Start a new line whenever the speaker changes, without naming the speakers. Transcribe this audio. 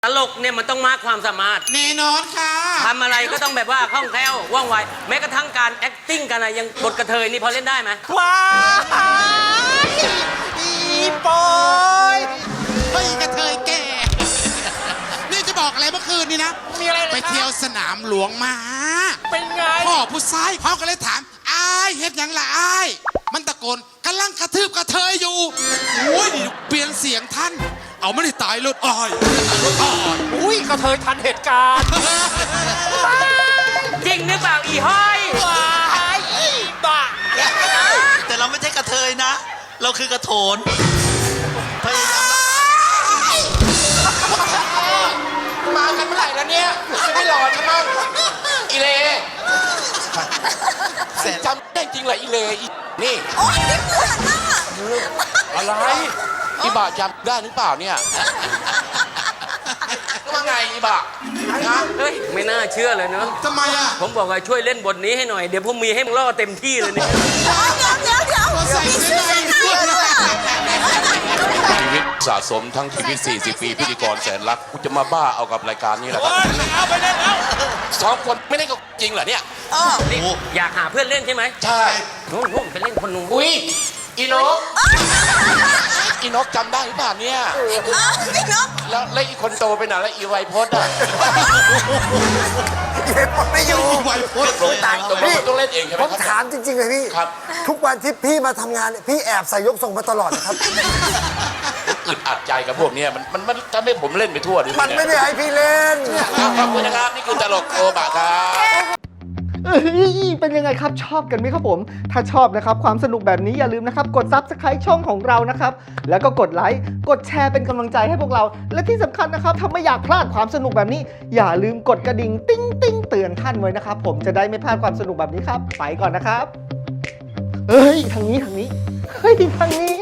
ตลกเนี่ยมันต้องมากความสามารถ
แน่นอนค่ะ
ทำอะไรก็ต้องแบบว่าคล่องแคล่วว่องไวแม้กระทั่งการ acting กันนะยังบทกระเทยนี่พอเล่นได้ไหม
ว้ายอีปอย
เฮ้ยกระเทยแก่นี่จะบอกอะไรเมื่อคืนนี้นะ
มีอะไร
ไปเที่ยวสนามหลวงมา
เป็นไง
พ่อผู้ชายเขาก็เลยถามอ้ายเฮ็ดยังล่ะอ้ายมันตะโกนกำลังกระทืบกระเทยอยู่โอ้ยเปลี่ยนเสียงท่านเอาไม่ได้ตายรถอ้อย
อุ้ยกระเทยทันเหตุการณ์
จริงหรือเปล่าอีห้อย
ว้ายอีบ้า
แต่เราไม่ใช่กระเทยนะ เราคือกระโถนพยายาม
มากันเมื่อไหร่แล้วเนี่ยจะไม่หลอนกันมั้งอีเลจำได้จริงเหรออีเลนี่อะไรอีบ่าจำได้หรือเปล่าเนี่ยว่าไงอีบ่า
เฮ้ยไม่น่าเชื่อเลยเนอะ
ทำไมอ่ะ
ผมบอกว่าช่วยเล่นบทนี้ให้หน่อยเดี๋ยวผมมีให้มึงล่อเต็มที่เลยเนี่ย
ใส่เสื้อ
ชีวิตสะสมทั้งชีวิต40 ปีพิธีกรแสนรักกูจะมาบ้าเอากับรายการนี้แหละครับ
เอาไปเล่นแล้ว
2 คนไม่ได้ก็จริงเหรอเนี่ย
นี่อยากหาเพื่อนเล่นใช่ไหม
ใช่
นู่นไปเล่นคนนู้น
อุ้ยอีนกอีนกจำได้หรือเปล่าเนี่ยแล้วอีคนโตไปไหนแล้วอีไวพจน์อ่ะ
ไม่อยู่
ไวโพส
ตายตรงนี้ต้องเล่นเองใช่ไหม
ผมถามจริงๆเลยพี่ทุกวันที่พี่มาทำงานพี่แอบใส่ยกทรงมาตลอดนะครับ
อึดอัดใจกับพวกนี้มันทำให้ผมเล่นไปทั่วดิ
มันไม่ได้ให้พี่เล่น
ขอบคุณนะครับนี่คือตลกโอบะครับ
เป็นยังไงครับชอบกันไหมครับผมถ้าชอบนะครับความสนุกแบบนี้อย่าลืมนะครับกด Subscribe ช่องของเรานะครับแล้วก็กดไลค์กดแชร์เป็นกำลังใจให้พวกเราและที่สำคัญนะครับถ้าไม่อยากพลาดความสนุกแบบนี้อย่าลืมกดกระดิ่งติ๊งติ๊งเตือนท่านไว้นะครับผมจะได้ไม่พลาดความสนุกแบบนี้ครับไปก่อนนะครับเฮ้ยทางนี้เฮ้ยทางนี้